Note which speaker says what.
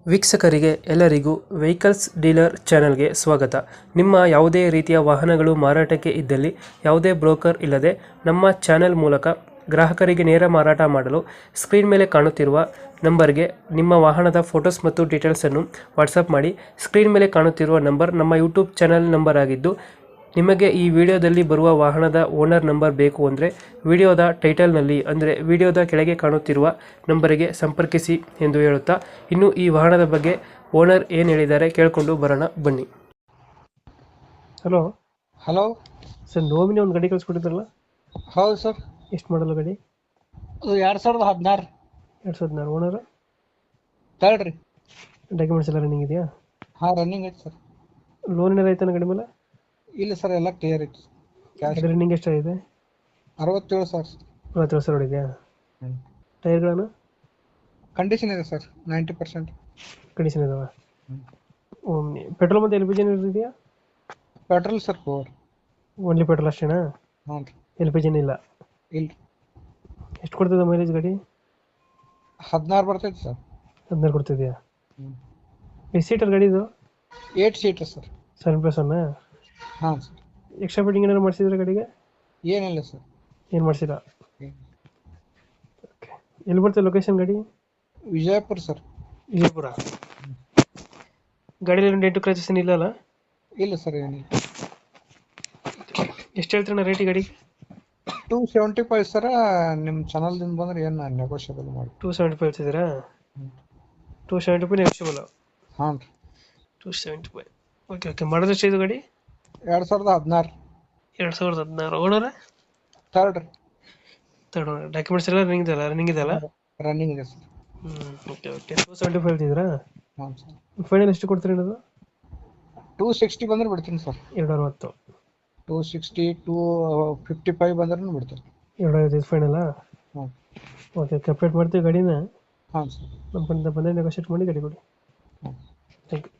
Speaker 1: ವೀಕ್ಷಕರಿಗೆ ಎಲ್ಲರಿಗೂ vehicles dealer ಚಾನೆಲ್ಗೆ ಸ್ವಾಗತ. ನಿಮ್ಮ ಯಾವುದೇ ರೀತಿಯ ವಾಹನಗಳು ಮಾರಾಟಕ್ಕೆ ಇದ್ದಲ್ಲಿ ಯಾವುದೇ ಬ್ರೋಕರ್ ಇಲ್ಲದೆ ನಮ್ಮ ಚಾನೆಲ್ ಮೂಲಕ ಗ್ರಾಹಕರಿಗೆ ನೇರ ಮಾರಾಟ ಮಾಡಲು ಸ್ಕ್ರೀನ್ ಮೇಲೆ ಕಾಣುತ್ತಿರುವ ನಂಬರ್ಗೆ ನಿಮ್ಮ ವಾಹನದ ಫೋಟೋಸ್ ಮತ್ತು ಡೀಟೇಲ್ಸನ್ನು ವಾಟ್ಸಪ್ ಮಾಡಿ. ಸ್ಕ್ರೀನ್ ಮೇಲೆ ಕಾಣುತ್ತಿರುವ ನಂಬರ್ ನಮ್ಮ ಯೂಟ್ಯೂಬ್ ಚಾನೆಲ್ ನಂಬರ್ ಆಗಿದ್ದು, ನಿಮಗೆ ಈ ವಿಡಿಯೋದಲ್ಲಿ ಬರುವ ವಾಹನದ ಓನರ್ ನಂಬರ್ ಬೇಕು ಅಂದರೆ ವಿಡಿಯೋದ ಟೈಟಲ್ನಲ್ಲಿ ಅಂದರೆ ವಿಡಿಯೋದ ಕೆಳಗೆ ಕಾಣುತ್ತಿರುವ ನಂಬರಿಗೆ ಸಂಪರ್ಕಿಸಿ ಎಂದು ಹೇಳುತ್ತಾ, ಇನ್ನು ಈ ವಾಹನದ ಬಗ್ಗೆ ಓನರ್ ಏನು ಹೇಳಿದ್ದಾರೆ ಕೇಳಿಕೊಂಡು ಬರೋಣ ಬನ್ನಿ. ಹಲೋ
Speaker 2: ಹಲೋ
Speaker 1: ಸರ್, ನೋಮಿನಿ ಒಂದು ಗಾಡಿ ಕಳಿಸ್ಕೊಟ್ಟಿದ್ರಲ್ಲ,
Speaker 2: ಹೌದು ಸರ್.
Speaker 1: ಎಷ್ಟು ಮಾಡಲ್ಲ ಗಾಡಿ?
Speaker 2: ಅದು 2016
Speaker 1: 2016 ಓನರ್.
Speaker 2: ತರ್ಡ್ ರೀ.
Speaker 1: ಡಾಕ್ಯುಮೆಂಟ್ಸ್ ಎಲ್ಲ ರನ್ನಿಂಗ್ ಇದೆಯಾ?
Speaker 2: ಹಾಂ, ರನ್ನಿಂಗ್ ಐತೆ ಸರ್.
Speaker 1: ಲೋನ್ ಏನಾರ ಆಯ್ತಾನ ಗಾಡಿ ಮೇಲೆ?
Speaker 2: ಇಲ್ಲ ಸರ್, ಎಲ್ಲ ಕ್ಲಿಯರ್ ಐತಿ. ಕ್ಯಾಶ್
Speaker 1: ರನ್ನಿಂಗ್ ಎಷ್ಟಾಗಿದೆ?
Speaker 2: 67 ಸರ್.
Speaker 1: 40 ಸಾವಿರ ಹೊಡಿದೆಯಾ? ಟೈರ್ಗಳನ್ನು
Speaker 2: ಕಂಡೀಷನ್ ಇದೆ ಸರ್, 90%.
Speaker 1: ಕಂಡೀಷನ್ ಇದಾವೆ. ಪೆಟ್ರೋಲ್ ಮತ್ತು ಎಲ್ ಪಿ ಜಿ ಇದೆಯಾ?
Speaker 2: Petrol sir, 4.
Speaker 1: ಓನ್ಲಿ ಪೆಟ್ರೋಲ್ ಅಷ್ಟೇನಾ?
Speaker 2: ಹ್ಞೂ ರೀ.
Speaker 1: ಎಲ್ ಪಿ ಜಿನ ಇಲ್ಲ?
Speaker 2: ಇಲ್ಲ.
Speaker 1: ಎಷ್ಟು ಕೊಡ್ತದೆ ಮೈಲೇಜ್ ಗಾಡಿ?
Speaker 2: 16 ಬರ್ತೈತೆ ಸರ್.
Speaker 1: 16 ಕೊಡ್ತಿದ್ಯಾ? ಎಷ್ಟು ಸೀಟರ್ ಗಾಡಿ ಇದು?
Speaker 2: 8 ಸೀಟರ್ ಸರ್.
Speaker 1: 7+1?
Speaker 2: ಹಾಂ ಸರ್.
Speaker 1: ಎಕ್ಸ್ಟ್ರಾ ಫಿಟ್ಟಿಂಗ್ ಏನಾದ್ರು ಮಾಡಿಸಿದ್ರೆ ಗಾಡಿಗೆ?
Speaker 2: ಏನಿಲ್ಲ ಸರ್.
Speaker 1: ಏನು ಮಾಡಿಸಿಲ್ಲ? ಎಲ್ಲಿ ಬರ್ತದೆ ಲೊಕೇಶನ್ ಗಾಡಿ?
Speaker 2: ವಿಜಯಪುರ ಸರ್.
Speaker 1: ವಿಜಯಪುರ. ಗಾಡಿಯಲ್ಲಿ ಡೆಂಟು ಕ್ರಾಚಸ್ ಇಲ್ಲ ಅಲ್ಲ?
Speaker 2: ಇಲ್ಲ ಸರ್, ಏನಿಲ್ಲ.
Speaker 1: ಎಷ್ಟು ಹೇಳ್ತೀರಣ್ಣ ರೇಟ್ ಗಾಡಿ?
Speaker 2: 275 ಸರ. ನಿಮ್ಮ ಚಾನಲ್ದಿಂದ ಬಂದ್ರೆ ಏನು ನೆಗೋಷಿಯಬಲ್ ಮಾಡಿ.
Speaker 1: 275 ಹೇಳ್ತಿದ್ದೀರಾ? 275 ನೆಗೋಷಿಯಬಲ್?
Speaker 2: ಹಾಂ ರೀ.
Speaker 1: 275. Okay okay. ಮಾಡೋದು ಎಷ್ಟು ಇದು ಗಾಡಿ?
Speaker 2: 2016.
Speaker 1: 2016 ಓನರ?
Speaker 2: ತರ್ಡ್ ರೀ.
Speaker 1: Third owner. ಡಾಕ್ಯುಮೆಂಟ್ಸ್ ಎಲ್ಲ ರನ್ನಿಂಗ್ ಇದೆಯಲ್ಲ?
Speaker 2: ರನ್ನಿಂಗ್ ಇದೆ ಸರ್.
Speaker 1: Okay okay. 275 ಹೇಳ್ತಿದ್ದೀರಾ?
Speaker 2: ಹಾಂ ಸರ್.
Speaker 1: ಫೈನಲ್ ಎಷ್ಟು ಕೊಡ್ತೀರಿ ಅನ್ನೋದು?
Speaker 2: 260 ಬಂದ್ರೆ ಬಿಡ್ತೀನಿ ಸರ್.
Speaker 1: 260.
Speaker 2: 260, 255 ಬಂದ್ರೂ ಬಿಡ್ತೀನಿ.
Speaker 1: 255 ಫೈನಲ್ಲಾ?
Speaker 2: ಹ್ಞೂ.
Speaker 1: Okay okay. ಅಪ್ಡೇಟ್ ಮಾಡ್ತೀವಿ ಗಾಡಿನ.
Speaker 2: ಹಾಂ ಸರ್.
Speaker 1: ನಮ್ಮ ಕಡೆಯಿಂದ ಬಂದರೆ ನೆಗೋಷಿಯೇಟ್ ಮಾಡಿ ಗಾಡಿ ಕೊಡಿ.
Speaker 2: ಹ್ಞೂ.
Speaker 1: Thank you.